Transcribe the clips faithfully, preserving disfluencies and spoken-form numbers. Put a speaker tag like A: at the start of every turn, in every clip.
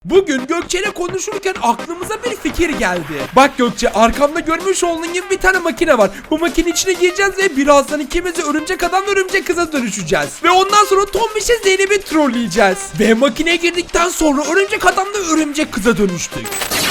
A: Bugün Gökçe'yle konuşurken aklımıza bir fikir geldi. Bak Gökçe, arkamda görmüş olduğun gibi bir tane makine var. Bu makinenin içine gireceğiz ve birazdan ikimiz de örümcek adam ve örümcek kıza dönüşeceğiz. Ve ondan sonra Tombiş'e Zeynep'i trolleyeceğiz. Ve makineye girdikten sonra örümcek adamla örümcek kıza dönüştük.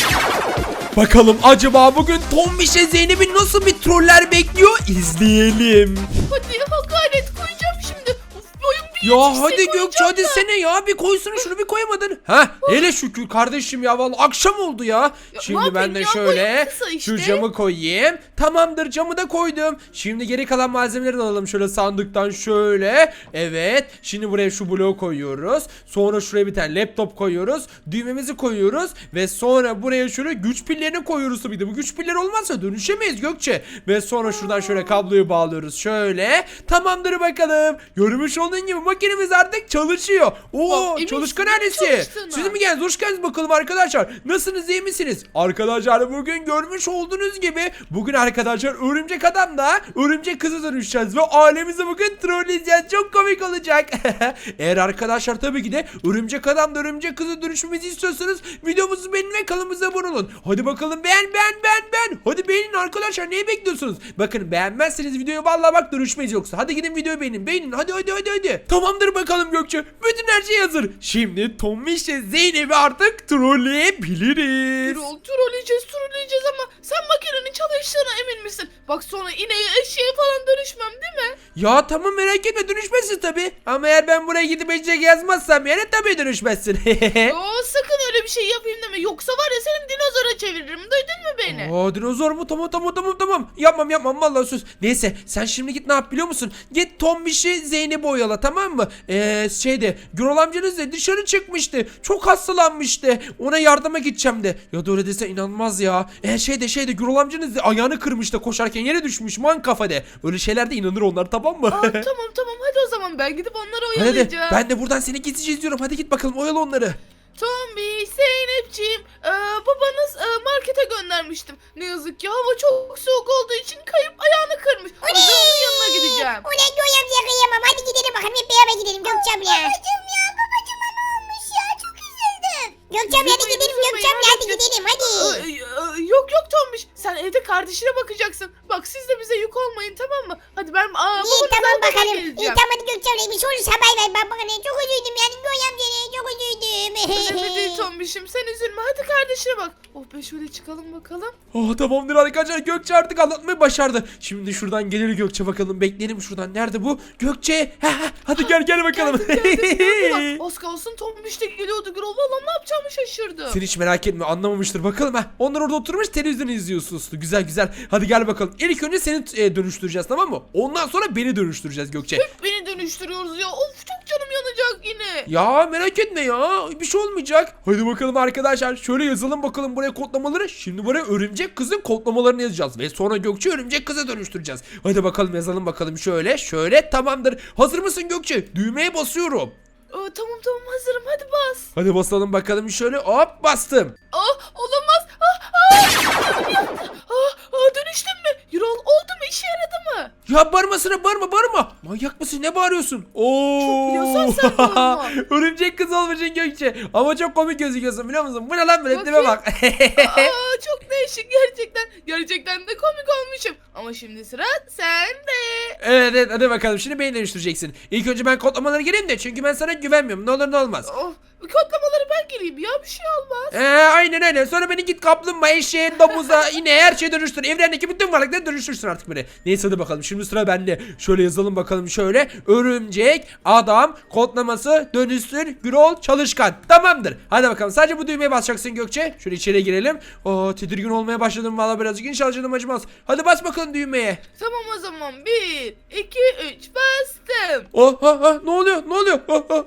A: Bakalım acaba bugün Tombiş'e Zeynep'i nasıl bir troller bekliyor, izleyelim.
B: Hadi hakaret koyacağım şimdi. Of, boyum bir
A: Ya
B: yetişse
A: hadi Gökçe,
B: koyacağım
A: hadi
B: da.
A: sene ya, bir koysana şunu, bir koyamadın. Ha hele şükür kardeşim ya, vallahi akşam oldu ya.
B: Ya,
A: Şimdi
B: ne
A: ben de
B: yapayım ya,
A: şöyle
B: boyum kısa işte.
A: şu camı koyayım. Tamamdır, camı da koydum. Şimdi geri kalan malzemeleri de alalım şöyle sandıktan şöyle. Evet, şimdi buraya şu bloğu koyuyoruz. Sonra şuraya bir tane laptop koyuyoruz. Düğmemizi koyuyoruz ve sonra buraya şöyle güç pillerini koyuyoruz tabii de. Bu güç pilleri olmazsa dönüşemeyiz Gökçe. Ve sonra şuradan şöyle kabloyu bağlıyoruz şöyle. Tamamdır bakalım. Görmüş olduğun gibi makinemiz artık çalışıyor. Oo,
B: Bak, emin
A: çalışkan
B: misin
A: ailesi.
B: çalıştığına?
A: Siz mi geldiniz? Hoş geldiniz bakalım arkadaşlar. Nasılsınız, iyi misiniz? Arkadaşlar bugün görmüş olduğunuz gibi bugün arkadaşlar örümcek adamla örümcek kızı dönüşeceğiz ve ailemizi bugün trolleyeceğiz. Çok komik olacak. Eğer arkadaşlar tabii ki de örümcek adamla örümcek kızı dönüşmemizi istiyorsanız videomuzu beğenin ve kanalımıza abone olun. Hadi bakalım, beğen beğen beğen beğen. Hadi beğenin arkadaşlar, neyi bekliyorsunuz? Bakın, beğenmezseniz videoyu vallahi bak dönüşmeyiz yoksa. Hadi gidin videoyu beğenin. Beğenin hadi hadi hadi hadi. Tamamdır bakalım Gökçe. Bütün her şey hazır. Şimdi Tombiş'le Zeynep'i artık trolleyebiliriz.
B: Troll trolleyeceğiz trolleyeceğiz ama sen makinenin çalıştığına emin misin? Bak sonra ineğe eşeğe falan dönüşmem değil mi?
A: Ya tamam, merak etme, dönüşmezsin tabi. Ama eğer ben buraya gidip eşek yazmazsam yani tabii dönüşmezsin.
B: Oo, sakın öyle bir şey yapayım deme. Yoksa var ya seni dinozora çeviririm. Duydun mu beni?
A: Aa, dinozor mu? Tamam tamam tamam tamam. Yapmam yapmam vallahi söz. Neyse, sen şimdi git, ne yap biliyor musun? Git Tombiş'i Zeynep'i oyala, tamam mı? Eee şeyde Gürol amcanız da dışarı çıkmıştı. Çok hastalanmıştı. Ona yardıma gideceğim de. Ya da öyle dese inanmaz ya. Eee şeyde şeyde Gürol amcanız da ayağını kırmıştı koşarken, yere düşmüş man kafada. Öyle şeylerde inanır onlar, tamam mı?
B: Aa, tamam tamam hadi o zaman ben gidip onları
A: Hadi hadi.
B: oyalayacağım.
A: Ben de buradan seni gizlice izliyorum. Hadi git bakalım, oyala onları.
B: Tombi, Zeynepciğim, ee, babanız ee, markete göndermiştim. Ne yazık ki hava çok soğuk olduğu için kayıp ayağını kırmış. O yüzden onun yanına gideceğim.
C: Ulan Göğe amca kıyamam. Hadi gidelim bakalım, hep beraber gidelim Gökçe abla. Babacım ya, babacıma ne olmuş ya, çok üzüldüm. Gökçe abla hadi
B: Üzülmeyin,
C: gidelim,
B: üzülmeyin,
C: Gökçe abla hadi
B: halledeceğiz.
C: gidelim hadi.
B: Ee, e, yok yok Tombiş, sen evde kardeşine bakacaksın. Bak siz de bize yük olmayın, tamam mı? Hadi ben aa,
C: İyi
B: babanızı
C: tamam
B: almaya
C: bakalım. İyi
B: geleceğim.
C: tamam hadi Gökçe abla, bir şey olursa haber ver. Ben bakın çok üzüldüm yani Göğe amca, çok üzüldüm.
B: Önemli değil Tombiş'im, sen üzülme. Hadi kardeşine bak. Oh be, şöyle çıkalım bakalım.
A: Oh, tamamdır arkadaşlar, Gökçe artık anlatmayı başardı. Şimdi şuradan gelir Gökçe, bakalım bekleyelim şuradan. Nerede bu? Gökçe. Ha, ha, hadi gel gel bakalım.
B: Geldim, geldim. Nerede bak? Az kalsın Tombiş de geliyordu. Gürol valla ne yapacağımı şaşırdım.
A: Sen hiç merak etme, anlamamıştır bakalım ha. Onlar orada oturmuş televizyon izliyorsunuz. Güzel güzel. Hadi gel bakalım. İlk önce seni e, dönüştüreceğiz, tamam mı? Ondan sonra beni dönüştüreceğiz Gökçe.
B: Hep beni dönüştürüyoruz ya. Of, çok canım yanacak yine.
A: Ya merak etme ya. Bir şey olmayacak. Hadi bakalım arkadaşlar. Şöyle yazalım bakalım buraya kodlamaları. Şimdi buraya örümcek kızın kodlamalarını yazacağız. Ve sonra Gökçe örümcek kıza dönüştüreceğiz. Hadi bakalım yazalım bakalım. Şöyle şöyle, tamamdır. Hazır mısın Gökçe? Düğmeye basıyorum.
B: Aa, tamam tamam hazırım, hadi bas.
A: Hadi basalım bakalım, şöyle hop bastım.
B: Ah, olamaz. Ah, ah, yandı. Ah, ah, dönüştün mü? Yürol oldu mu? İşe yaradı mı?
A: Ya bağırmasına, bağırma bağırma. Manyak mısın, ne bağırıyorsun? Oo.
B: Çok biliyorsan sen bağırma.
A: Örümcek kız olmuşsun Gökçe. Ama çok komik gözüküyorsun, biliyor musun? Bu ne lan, böyle tipe bak.
B: Aa, çok değişik gerçekten. Gerçekten de komik olmuşum. Ama şimdi sıra sende.
A: Evet evet, hadi bakalım, şimdi beni dönüştüreceksin. İlk önce ben kodlamaları gireyim de, çünkü ben sana güvenmiyorum, ne olur ne olmaz.
B: Oh, kodlamaları ben gireyim ya, bir şey olmaz.
A: Ee, aynen aynen, sonra beni git kaplumbağa, eşeğe, domuza, ineğe, her şeye dönüştür. Evrendeki bütün varlıkları dönüştürsün artık beni. Neyse hadi bakalım, şimdi sıra bende. Şöyle yazalım bakalım, şöyle örümcek adam kodlaması dönüştür Gürol çalışkan. Tamamdır. Hadi bakalım, sadece bu düğmeye basacaksın Gökçe. Şöyle içeri girelim. Oo, tedirgin olmaya başladım valla birazcık. İnşallah canım acımaz. Hadi bas bakalım düğmeye.
B: Tamam o zaman, bir, iki, üç, bastım.
A: Oh, ha, ha, ne oluyor? Ne oluyor? Oh, oh,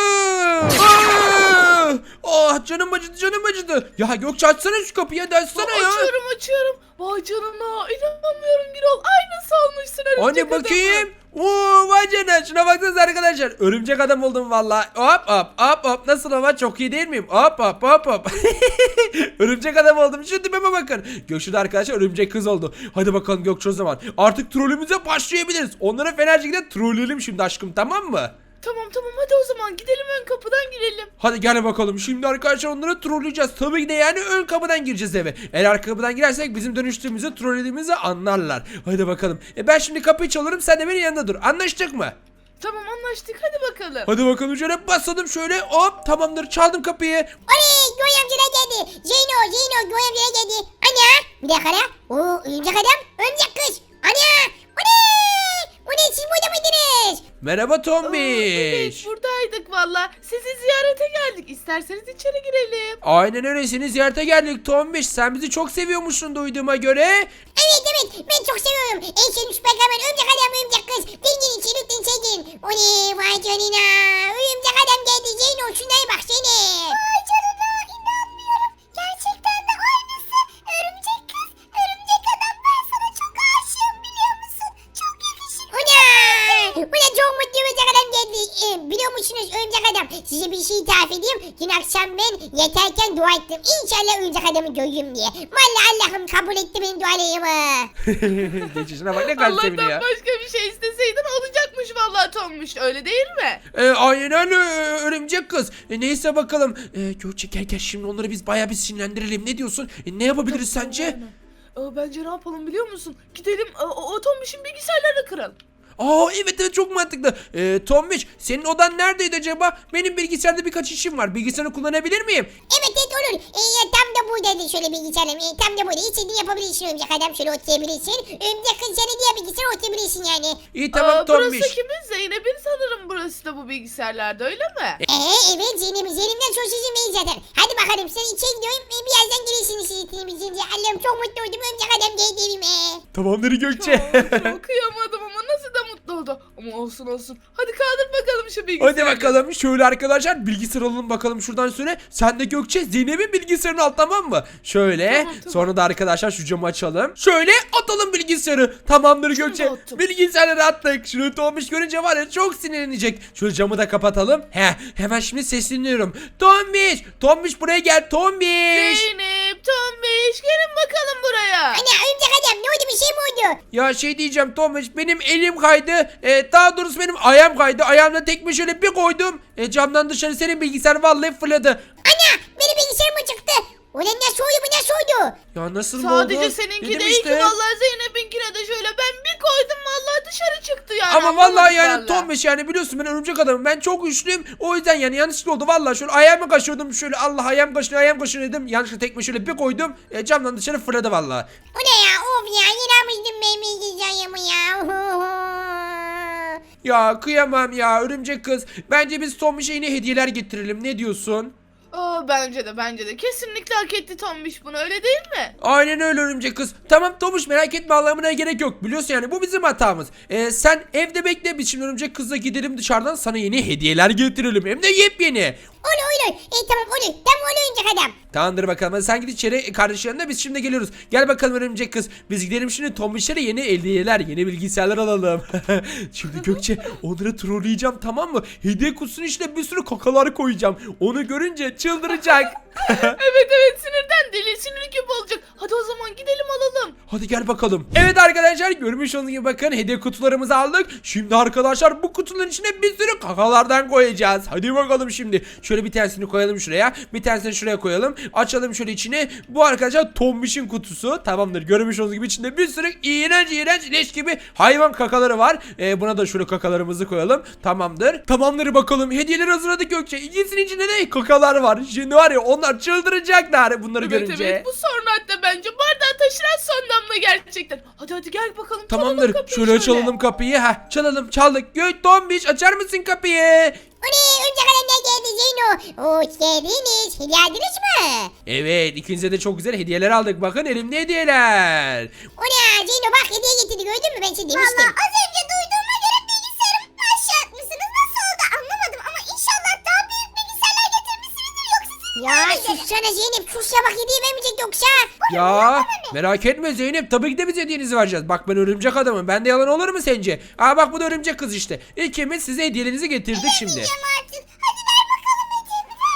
A: oh. Ah! Ah, canım acıdı, canım acıdı. Ya Gökçe, açsana şu kapıyı, hadi açsana ya.
B: Açıyorum açıyorum. Vay canına, inanamıyorum Gürol. Aynısı olmuşsun örümcek
A: Anne
B: adamın.
A: bakayım. Oo, vay canına, şuna baksanıza arkadaşlar. Örümcek adam oldum valla. Hop hop hop hop, nasıl ama, çok iyi değil miyim? Hop hop hop hop. Örümcek adam oldum, şu tipime bakın. Gökçe de arkadaşlar örümcek kız oldu. Hadi bakalım Gökçe, o zaman artık trollümüze başlayabiliriz. Onlara fena şekilde trolleyelim şimdi aşkım, tamam mı?
B: Tamam tamam hadi o zaman gidelim ön kapıdan girelim.
A: Hadi gel bakalım. Şimdi arkadaşlar onları trolleyeceğiz. Tabii ki de yani ön kapıdan gireceğiz eve. Eğer arka kapıdan girersek bizim dönüştüğümüzü, trollediğimizi anlarlar. Hadi bakalım. E ben şimdi kapıyı çalarım, sen de benim yanında dur. Anlaştık mı?
B: Tamam anlaştık hadi bakalım.
A: Hadi bakalım, şöyle basladım şöyle. Hop, tamamdır, çaldım kapıyı.
C: Oley Göğe amcalar geldi. Zeyno Zeyno Göğe amcalar geldi. Ana bir dakika la. Oo örümcek adam örümcek kız. Ana o ne? O ne siz burada mıydınız?
A: Merhaba
B: Aa, evet
A: Tombiş.
B: buradaydık valla. Sizi ziyarete geldik. İsterseniz içeri girelim.
A: Aynen öyle, seni ziyarete geldik Tombiş. Sen bizi çok seviyormuşsun duyduğuma göre.
C: Evet evet ben çok seviyorum. En sevdiğim süperkahraman örümcek adam örümcek kız. Dengin için lütfen sevgin. O ne vay canına. Örümcek adam geldi Zeyno şunlara bak seni. Vay canına inanmıyorum. Gerçekten de aynısı. Örümcek kız, örümcek adam ben sana çok aşığım biliyor musun? Çok yakışıklı. O ne? Bu ne çok mutlu örümcek adam geldi. Ee, biliyor musunuz örümcek adam? Size bir şey tarif edeyim. Dün akşam ben yatarken dua ettim. İnşallah örümcek adamı görürüm diye. Vallahi Allah'ım kabul etti benim dualarımı.
A: Geçişine bak, ne kadar
B: Allah'tan
A: seviniyor.
B: başka bir şey isteseydin olacakmış vallahi Tommuş. Öyle değil mi?
A: E, aynen öyle örümcek kız. E, neyse bakalım. E, Gökçe gel gel, şimdi onları biz bayağı bir sinirlendirelim. Ne diyorsun? E, ne yapabiliriz sence?
B: Aynen. Aa, bence ne yapalım biliyor musun? Gidelim o, o, o Tommuş'un bilgisayarlarını kıralım.
A: Aa evet evet, çok mantıklı. E, Tombiş, senin odan neredeydi acaba? Benim bilgisayarda birkaç işim var. Bilgisayarını kullanabilir miyim?
C: Evet evet olur. Ee, tam da buradaydı şöyle bilgisayarım. Ee, tam da burada. İstediğini yapabilirsin örümcek adam. Şöyle oturabilirsin. Örümcek kız seni diye bilgisayara oturabilirsin yani.
A: İyi tamam
B: Aa,
A: Tombiş.
B: burası kimin? Zeynep'in sanırım burası da bu bilgisayarlarda öyle mi?
C: Ee, evet Zeynep. Zeynep'den çok sizin beyin zaten. Hadi bakalım sen içeri gidiyorum. Ee, birazdan gelirsiniz sizin bizince. Allah'ım çok mutlu oldum. Örümcek adam geldi evime.
A: Tamamdır Gökçe.
B: Çok, çok kıyamadım ama nasıl da mutlu oldu. Ama olsun olsun. Hadi kaldır bakalım şu bilgisayarı.
A: Hadi bakalım şöyle arkadaşlar, bilgisayar alalım bakalım şuradan şöyle. Sen de Gökçe Zeynep'in bilgisayarını al, tamam mı? Şöyle
B: Tamam, tamam.
A: sonra da arkadaşlar şu camı açalım. Şöyle atalım bilgisayarı. Tamamdır
B: Şunu
A: Gökçe.
B: da attım.
A: Bilgisayarları attık. Şunu Tombiş görünce var ya çok sinirlenecek. Şöyle camı da kapatalım. He, hemen şimdi sesleniyorum. Tombiş, Tombiş buraya gel Tombiş.
B: Zeynep, Tombiş gelin bakalım buraya.
C: Ana örümcek adam ne oldu bir şey mi oldu?
A: Ya şey diyeceğim Tombiş, benim elim kaydı. E, daha doğrusu benim ayağım kaydı. Ayağımla tekme şöyle bir koydum. E, camdan dışarı senin bilgisayar vallahi fırladı.
C: Ana benim bilgisayarım mı çıktı? Ulan nasıl oldu bu nasıl oldu?
A: Ya nasıl mı oldu?
B: Sadece seninki
A: Dedim
B: değil ki
A: işte.
B: vallahi Zeynep'inkine de şöyle ben bir koydum vallahi dışarı çıktı yani.
A: Ama
B: anlamadım
A: vallahi yani
B: vallahi.
A: Tombiş, yani biliyorsun ben örümcek adamım. Ben çok güçlüyüm. O yüzden yani yanlışlıkla oldu. Vallahi şöyle ayağımı kaşıyordum. Şöyle Allah ayağım kaşınıyor ayağım kaşınıyor dedim. Yanlışlıkla tekme şöyle bir koydum. E, camdan dışarı fırladı vallahi.
C: O ne ya of ya yine benim bilgisayarımı ya.
A: Ya kıyamam ya örümcek kız. Bence biz Tombiş'e yine hediyeler getirelim. Ne diyorsun?
B: Aa, bence de bence de kesinlikle hak etti Tombiş bunu öyle değil mi?
A: Aynen öyle örümcek kız. Tamam Tombiş, merak etme, ağlamana gerek yok. Biliyorsun yani bu bizim hatamız. Ee, sen evde bekle, biz şimdi örümcek kızla gidelim dışarıdan sana yeni hediyeler getirelim. Hem de yepyeni.
C: Olur olur. E tamam olur. Tamam olur örümcek adam.
A: Tamamdır bakalım. Hadi sen git içeri kardeşin yanına, biz şimdi geliyoruz. Gel bakalım örümcek kız. Biz gidelim şimdi Tombiş'lere yeni hediyeler, yeni bilgisayarlar alalım. Şimdi Gökçe onları trolleyeceğim, tamam mı? Hediye kutusunun içine bir sürü kakalar koyacağım. Onu görünce çıldıracak.
B: Evet evet sinirden deli sinir gibi olacak. Hadi o zaman gidelim alalım.
A: Hadi gel bakalım. Evet arkadaşlar, görmüş olduğunuz gibi bakın hediye kutularımızı aldık. Şimdi arkadaşlar bu kutuların içine bir sürü kakalardan koyacağız. Hadi bakalım şimdi. Şöyle bir tanesini koyalım şuraya. Bir tanesini şuraya koyalım. Açalım şöyle içine. Bu arkadaşlar Tombiş'in kutusu. Tamamdır. Görmüş olduğunuz gibi içinde bir sürü iğrenç iğrenç leş gibi hayvan kakaları var. Ee, buna da şöyle kakalarımızı koyalım. Tamamdır. Tamamdır bakalım. Hediyeleri hazırladık Gökçe. İkisinin içinde de kakalar var. Şimdi var ya onlar çıldıracaklar bunları
B: Evet
A: görünce.
B: evet bu sonra hatta bence bardağı taşıran son damla gerçekten. Hadi hadi gel bakalım. çalalım
A: Tamamdır.
B: kapıyı
A: Şöyle çalalım kapıyı. Heh, çalalım çaldık. Gök Tombiş, açar mısın kapıyı?
C: Oley örümcek adam ne geldi Zeyno? Hoş geldiniz. Hediye aldınız mı?
A: Evet, ikinize de çok güzel hediyeler aldık. Bakın elimde hediyeler.
C: O ne Zeyno bak hediye getirdi gördün mü ben size demiştim. Valla az önce duyduğuma göre bilgisayarımı aşağı atmışsınız. Nasıl oldu anlamadım ama inşallah daha büyük bilgisayarlar getirmişsinizdir yoksa siz... Ya sussana Zeynep sus ya bak hediye vermeyecek yoksa.
A: Ya merak etme Zeynep, tabii ki de biz hediyenizi vereceğiz. Bak ben örümcek adamım. Bende yalan olur mu sence? Aa bak bu da örümcek kız işte. İkimiz size hediyelerinizi getirdik şimdi.
C: Artık. Hadi ver bakalım hediyemi ver ver ver.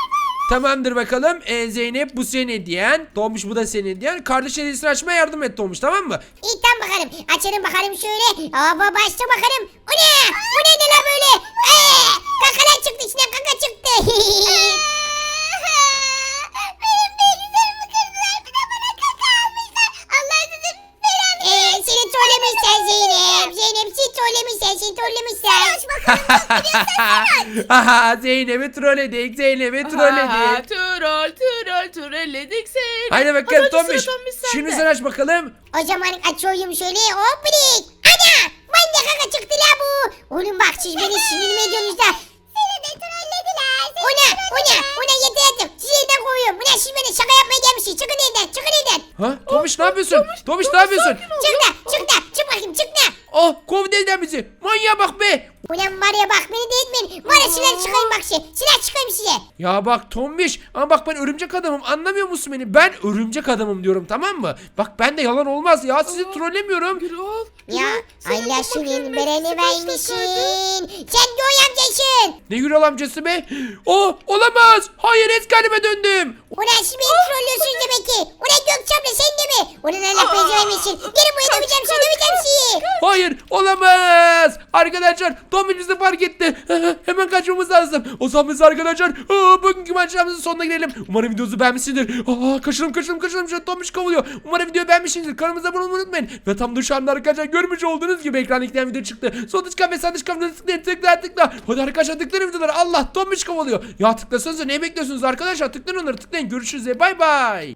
A: Tamamdır bakalım. Ee, Zeynep bu senin hediyen. Tombiş bu da senin hediyen. Kardeş hediyesini açmaya yardım et Tombiş, tamam mı?
C: İyi tamam bakalım. Açalım bakalım şöyle. Aa başla bakalım. O ne? Bu ne de la böyle? Ee, kakalar çıktı içinden kaka çıktı. Benim bilgisayarımı kırdılar. Bir de bana kaka almışlar. Allah sizin belanı. Ee, seni trollemişler Zeynep. Zeynep seni trollemişler. Seni trollemişler. Hoş bakalım.
A: Haha Zeynep'i trolledik. Zeynep'i
B: Aha,
A: trolledik.
B: Troll troll trolledik seni.
A: Haydi bakalım
B: Hadi sıra
A: Tombiş.
B: Tombiş sende.
A: Şimdi sen aç bakalım.
C: O zaman açıyorum şöyle. Hop birik. Ana! Bana kaka çıktı la bu. Oğlum bak siz beni sinirimi ediyorsunuz da. Seni de trollediler. Ona, ona, ona yeter artık. Sizi evden kovuyorum. Buna siz beni şaka yapmaya gelmişsiniz. Çıkın evden, çıkın evden.
A: Ha Tombiş ne yapıyorsun?
B: Tombiş,
A: Tombiş ne
B: Tombiş,
A: yapıyorsun?
B: sakin ol.
C: Çık da, çık da. Çık bakayım, çık da.
A: Oh kovdu evden bizi. Manyağa bak be.
C: Ulan var ya bak beni de etmeyin. Var ya silah çıkayım bak size. Silah çıkayım size.
A: Ya bak Tombiş ama bak ben örümcek adamım, anlamıyor musun beni? Ben örümcek adamım diyorum, tamam mı? Bak ben de yalan olmaz ya, sizi trollemiyorum.
B: Gürol.
C: Ya
B: Gürol,
C: Allah
B: senin
C: senin
B: bakayım
C: bereni
B: hepsi
C: vermişsin.
B: başlasaydı.
C: Sen Göğe amcasın.
A: Ne Gürol amcası be? Oh olamaz. Hayır eski halime döndüm.
C: Ulan siz beni trollüyorsunuz demek ki. Ulan Gökçem'le sen de mi? Ulan Allah beni vermişsin. Gelin buraya döveceğim seni, döveceğim sizi.
A: Hayır olamaz. Arkadaşlar Tombiş bizi fark etti. Hemen kaçmamız lazım. O zaman biz arkadaşlar aa, bugünkü maçlarımızın sonuna gelelim. Umarım videonuzu beğenmişsinizdir. Aa, kaçalım kaçalım kaçalım. Şu Tombiş kovalıyor. Umarım videoyu beğenmişsinizdir. Kanalımıza abone olmayı unutmayın. Ve tam dışarıda arkadaşlar görmüş olduğunuz gibi ekranda iki tane video çıktı. Sol dış ve sağ dış kamera tıklayın tıkla tıkla. Hadi arkadaşlar tıklayın videoları. Allah Tombiş kovalıyor. Ya tıklasanıza ne bekliyorsunuz arkadaşlar? Tıklayın onları tıklayın. Görüşürüz. Bay bay.